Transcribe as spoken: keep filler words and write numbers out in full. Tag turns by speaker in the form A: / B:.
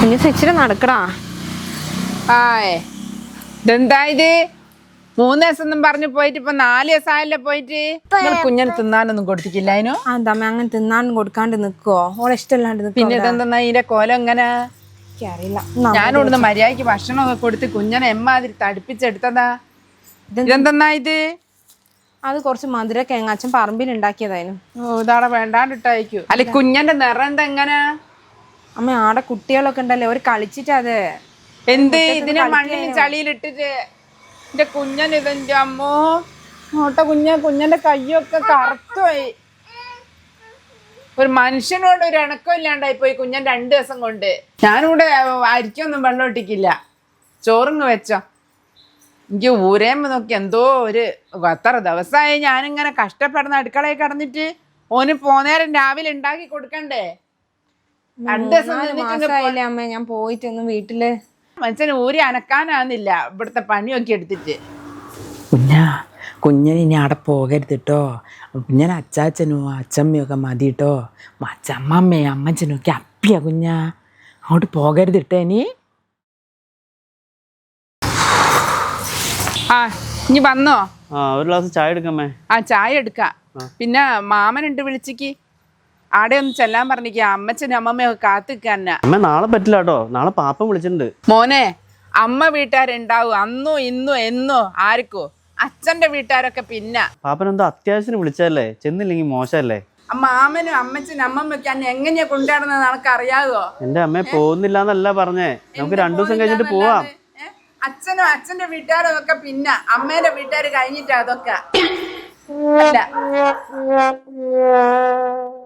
A: കുഞ്ഞു ഇച്ചിരി നടക്കടാ.
B: ആയേ ഇതെന്താ ഇത്? മൂന്ന് ദിവസം ഒന്നും പറഞ്ഞു പോയിട്ട് ഇപ്പൊ നാല് ദിവസം ആയല്ലേ പോയിട്ട്. നിങ്ങൾ കുഞ്ഞിന് തിന്നാനൊന്നും കൊടുത്തിട്ടില്ല അതിനോ?
A: അന്തമ്മ അങ്ങനെ തിന്നാനും കൊടുക്കാണ്ട് നിക്കുവോ? ഓളെ ഇഷ്ടമല്ലാണ്ട് നിക്കോ?
B: പിന്നെ ഇതെന്താ ഇതിന്റെ കോലം എങ്ങനെ?
A: അറിയില്ല.
B: ഞാനിവിടുന്ന് മര്യാദക്ക് ഭക്ഷണമൊക്കെ കൊടുത്ത് കുഞ്ഞനെ എമ്മാതിരി തടിപ്പിച്ചെടുത്തതാ. ഇതെന്തെന്നാ ഇത്?
A: അത് കുറച്ച് മധുരൊക്കെ അച്ഛൻ പറമ്പിൽ ഉണ്ടാക്കിയതായിരുന്നു.
B: ഓ ഇതാടെ വേണ്ടാണ്ടിട്ടായിരിക്കും. അല്ലെ കുഞ്ഞന്റെ നിറം എന്താ എങ്ങനെ?
A: അമ്മ ആടെ കുട്ടികളൊക്കെ ഉണ്ടല്ലേ, ഒരു കളിച്ചിട്ട് അത്
B: എന്ത് ഇതിനെ മണ്ണിൽ ചളിയിലിട്ടിട്ട് എന്റെ കുഞ്ഞൻ ഇതെന്റെ അമ്മോ ഓട്ട കുഞ്ഞ കുഞ്ഞന്റെ കയ്യൊക്കെ കറുത്തുപോയി. ഒരു മനുഷ്യനോട് ഒരു ഇണക്കം ഇല്ലാണ്ടായി പോയി കുഞ്ഞൻ രണ്ടു ദിവസം കൊണ്ട്. ഞാനിവിടെ അരിക്കൊന്നും വെള്ളം ഇട്ടിക്കില്ല. ചോറിങ് വെച്ചോ. എനിക്ക് ഊരേമ്പ് നോക്കി എന്തോ ഒരു എത്ര ദിവസമായി ഞാനിങ്ങനെ കഷ്ടപ്പെടുന്ന അടുക്കളയിൽ കിടന്നിട്ട്. ഓന് പോന്നേരം രാവിലെ ഉണ്ടാക്കി കൊടുക്കണ്ടേ? രണ്ടു ദിവസം
A: അമ്മ ഞാൻ പോയിട്ടൊന്നും വീട്ടില്
B: മനുഷ്യന് ഊരി അനക്കാനാവുന്നില്ല ഇവിടുത്തെ പണിയൊക്കെ എടുത്തിട്ട്.
C: കുഞ്ഞാ കുഞ്ഞിന് ഇനി അവിടെ പോകരുത് കേട്ടോ. കുഞ്ഞിന് അച്ചാച്ചനും അച്ചമ്മയും ഒക്കെ മതി കേട്ടോ. അച്ചമ്മമ്മയും അമ്മച്ചനും ഒക്കെ അപ്പിയാ കുഞ്ഞാ. അങ്ങോട്ട് പോകരുത് കേട്ടോ ഇനി.
B: ആ ഇനി വന്നോ?
D: ആ ഒരു ഗ്ലാസ് ചായ എടുക്കാമേ.
B: ആ ചായ എടുക്കാം. പിന്നെ മാമനുണ്ട് വിളിച്ചിക്ക്. ആടെ ഒന്ന് ചെല്ലാൻ പറഞ്ഞിക്ക. അമ്മച്ചനും അമ്മമ്മയൊക്കെ കാത്തിക്കാനാ.
D: അമ്മ നാളെ പറ്റില്ല കേട്ടോ. നാളെ പാപ്പൻ വിളിച്ചിട്ടുണ്ട്.
B: മോനെ അമ്മ വീട്ടുകാരുണ്ടാവും അന്നോ ഇന്നോ എന്നോ ആർക്കോ. അച്ഛന്റെ വീട്ടുകാരൊക്കെ പിന്നെ.
D: പാപ്പൻ എന്തോ അത്യാവശ്യത്തിന് വിളിച്ചതല്ലേ, ചെന്നില്ലെങ്കിൽ മോശമല്ലേ?
B: മാമനും അമ്മച്ചനും അമ്മമ്മയൊക്കെ അന്നെ എങ്ങനെയാ കൊണ്ടുവരുന്നത് നിനക്ക് അറിയാവോ?
D: എന്റെ അമ്മയെ പോകുന്നില്ല എന്നല്ല പറഞ്ഞേ. നമുക്ക് രണ്ടു ദിവസം കഴിഞ്ഞിട്ട് പോവാം.
B: അച്ഛനും അച്ഛന്റെ വീട്ടുകാരും ഒക്കെ പിന്നെ. അമ്മേന്റെ വീട്ടുകാർ കഴിഞ്ഞിട്ടാ അതൊക്കെ അല്ല.